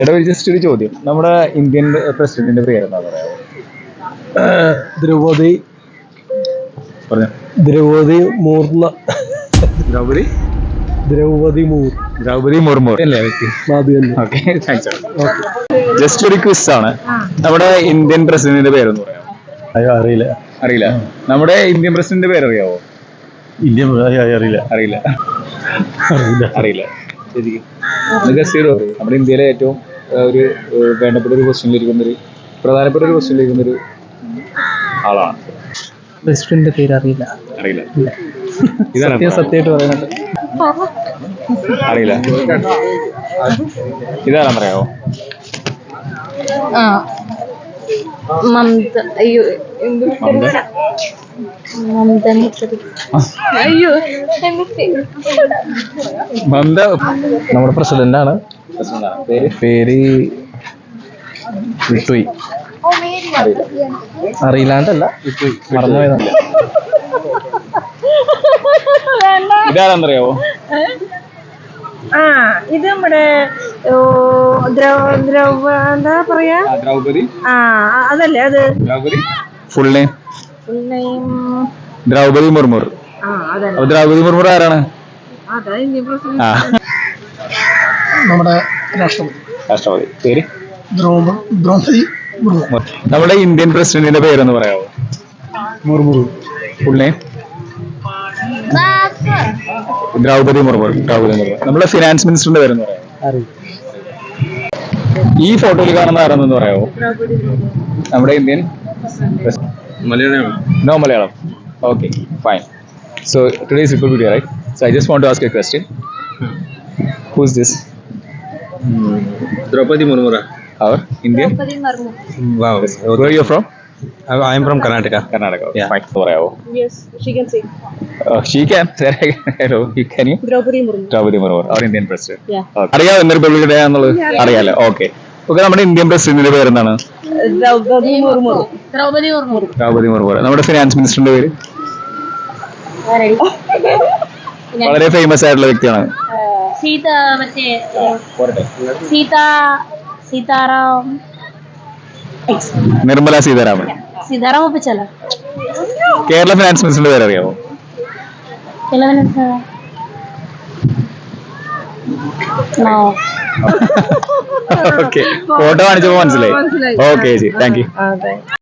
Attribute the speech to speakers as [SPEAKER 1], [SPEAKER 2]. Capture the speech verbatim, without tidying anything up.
[SPEAKER 1] എടാ ജസ്റ്റ് ഒരു ചോദ്യം, നമ്മുടെ ഇന്ത്യൻ പ്രസിഡന്റിന്റെ പേര് എന്താ പറയാ?
[SPEAKER 2] ദ്രൗപദി
[SPEAKER 1] പറഞ്ഞ
[SPEAKER 2] ദ്രൗപദി മൂർന്ന
[SPEAKER 1] ദ്രൗപദി
[SPEAKER 2] ദ്രൗപദി മൂർ
[SPEAKER 1] ദ്രൗപദി മുർമു അല്ലേ വ്യക്തി? Okay, thanks. ജസ്റ്റ് ഒരു ക്വിസ് ആണ്. നമ്മുടെ ഇന്ത്യൻ പ്രസിഡന്റിന്റെ പേരൊന്ന് പറയാമോ?
[SPEAKER 2] അയ്യോ അറിയില്ല
[SPEAKER 1] അറിയില്ല. നമ്മുടെ ഇന്ത്യൻ പ്രസിഡന്റിന്റെ പേര് അറിയാവോ?
[SPEAKER 2] ഇന്ത്യ അറിയില്ല
[SPEAKER 1] അറിയില്ല
[SPEAKER 2] അറിയില്ല
[SPEAKER 1] അറിയില്ല ശരിക്കും ഗസ്റ്റ് ചെയ്തോ? നമ്മുടെ ഇന്ത്യയിലെ ഏറ്റവും ആ, ഒരു ഏഹ്, വേണ്ടപ്പെട്ട ഒരു ക്വസ്റ്റ്യനിലിരിക്കുന്ന ഒരു പ്രധാനപ്പെട്ട ഒരു ക്വസ്റ്റ്യനിലിരിക്കുന്ന ഒരു ആളാണ്.
[SPEAKER 2] പ്രസിഡന്റിന്റെ പേര് അറിയില്ല
[SPEAKER 1] അറിയില്ല. ഇതാണ്
[SPEAKER 2] സത്യം സത്യമായിട്ട് പറയുന്നുണ്ട്.
[SPEAKER 1] അറിയില്ല. ഇതാരാ പറയാമോ?
[SPEAKER 3] ആ മമത. അയ്യോ എന്ത്
[SPEAKER 1] മമത?
[SPEAKER 3] മമത അയ്യോ
[SPEAKER 1] മമത
[SPEAKER 2] നമ്മുടെ പ്രസിഡന്റ് ആണ്.
[SPEAKER 1] പ്രസിഡന്റാണ്. പേര്
[SPEAKER 2] പേര് വിട്ടുപോയി. അറിയില്ലാണ്ടല്ല വിട്ടുപോയി, മറന്നുപോയതാണ്.
[SPEAKER 1] ഇതാരാന്നറിയാവോ?
[SPEAKER 3] ആ ഇത് നമ്മുടെ ഓ, ദ്രൗ- ദ്രൗപ എന്താ പറയാ
[SPEAKER 1] ആ, ദ്രൗപദി
[SPEAKER 3] ആ അതല്ലേ അത്
[SPEAKER 1] Draupadi full name
[SPEAKER 3] full name.
[SPEAKER 1] Draupadi Murmu.
[SPEAKER 3] ആ അതല്ലേ
[SPEAKER 1] അപ്പൊ ദ്രൗപദി മുർമു ആരാണ്?
[SPEAKER 3] അതാ ഇന്ത്യൻ പ്രസിഡന്റ്.
[SPEAKER 1] ആ,
[SPEAKER 2] നമ്മുടെ രാഷ്ട്രപതി
[SPEAKER 1] രാഷ്ട്രപതി. പേര്?
[SPEAKER 2] ദ്രൗപ ദ്രൗപദി മുർമു.
[SPEAKER 1] നമ്മുടെ ഇന്ത്യൻ പ്രസിഡന്റിന്റെ പേരൊന്ന് പറയാമോ?
[SPEAKER 2] മുർമു.
[SPEAKER 1] Full name? ദ്രൗപദി മുർമു. ദ്രൗപദി മുർമു. നമ്മുടെ ഫിനാൻസ് മിനിസ്റ്ററിന്റെ പേരൊന്ന് പറയാമോ?
[SPEAKER 2] അറിയില്ല.
[SPEAKER 1] ഈ ഫോട്ടോയിൽ കാണുന്ന ആരാണെന്ന് പറയാമോ? നമ്മുടെ Indian
[SPEAKER 4] Malayalam.
[SPEAKER 1] No Malayalam. Okay, fine. So today is Republic Day, right? So I just want to ask a question. Who's this?
[SPEAKER 4] Draupadi Murmura.
[SPEAKER 1] Our Indian?
[SPEAKER 4] Wow.
[SPEAKER 1] Where are you from?
[SPEAKER 4] I am from Karnataka.
[SPEAKER 1] Karnataka.
[SPEAKER 4] Yeah.
[SPEAKER 1] Fine. പറയാമോ?
[SPEAKER 3] Yes, she can say.
[SPEAKER 1] Uh, she can. Hello. You can you?
[SPEAKER 3] Draupadi Murmu.
[SPEAKER 1] Draupadi Murmu, our Indian president.
[SPEAKER 3] Yeah.
[SPEAKER 1] Okay. അറിയാമോ ഇന്ന് republic day ആണെന്നുള്ളത്? അറിയാലോ. Okay. Okay, നമ്മുടെ Indian പ്രസിഡന്റിന്റെ പേര് എന്താണ്?
[SPEAKER 3] Draupadi Murmu. Draupadi Murmu.
[SPEAKER 1] Draupadi Murmu. നമ്മുടെ ഫിനാൻസ് മിനിസ്റ്ററിന്റെ പേര്? വളരെ ഫേമസ് ആയിട്ടുള്ള വ്യക്തിയാണ്.
[SPEAKER 3] സീത മറ്റേ സീത സീതാറാം
[SPEAKER 1] നിർമ്മല സീതാരാമൻ.
[SPEAKER 3] സീതാറാം ഒപ്പിച്ചല്ല
[SPEAKER 1] കേരള ഫിനാൻസ് മിനിസ്റ്ററിന്റെ പേര് അറിയാമോ? ഓക്കെ, ഫോട്ടോ കാണിച്ചപ്പോ മനസ്സിലായി. ഓക്കെ ചേച്ചി, താങ്ക് യു.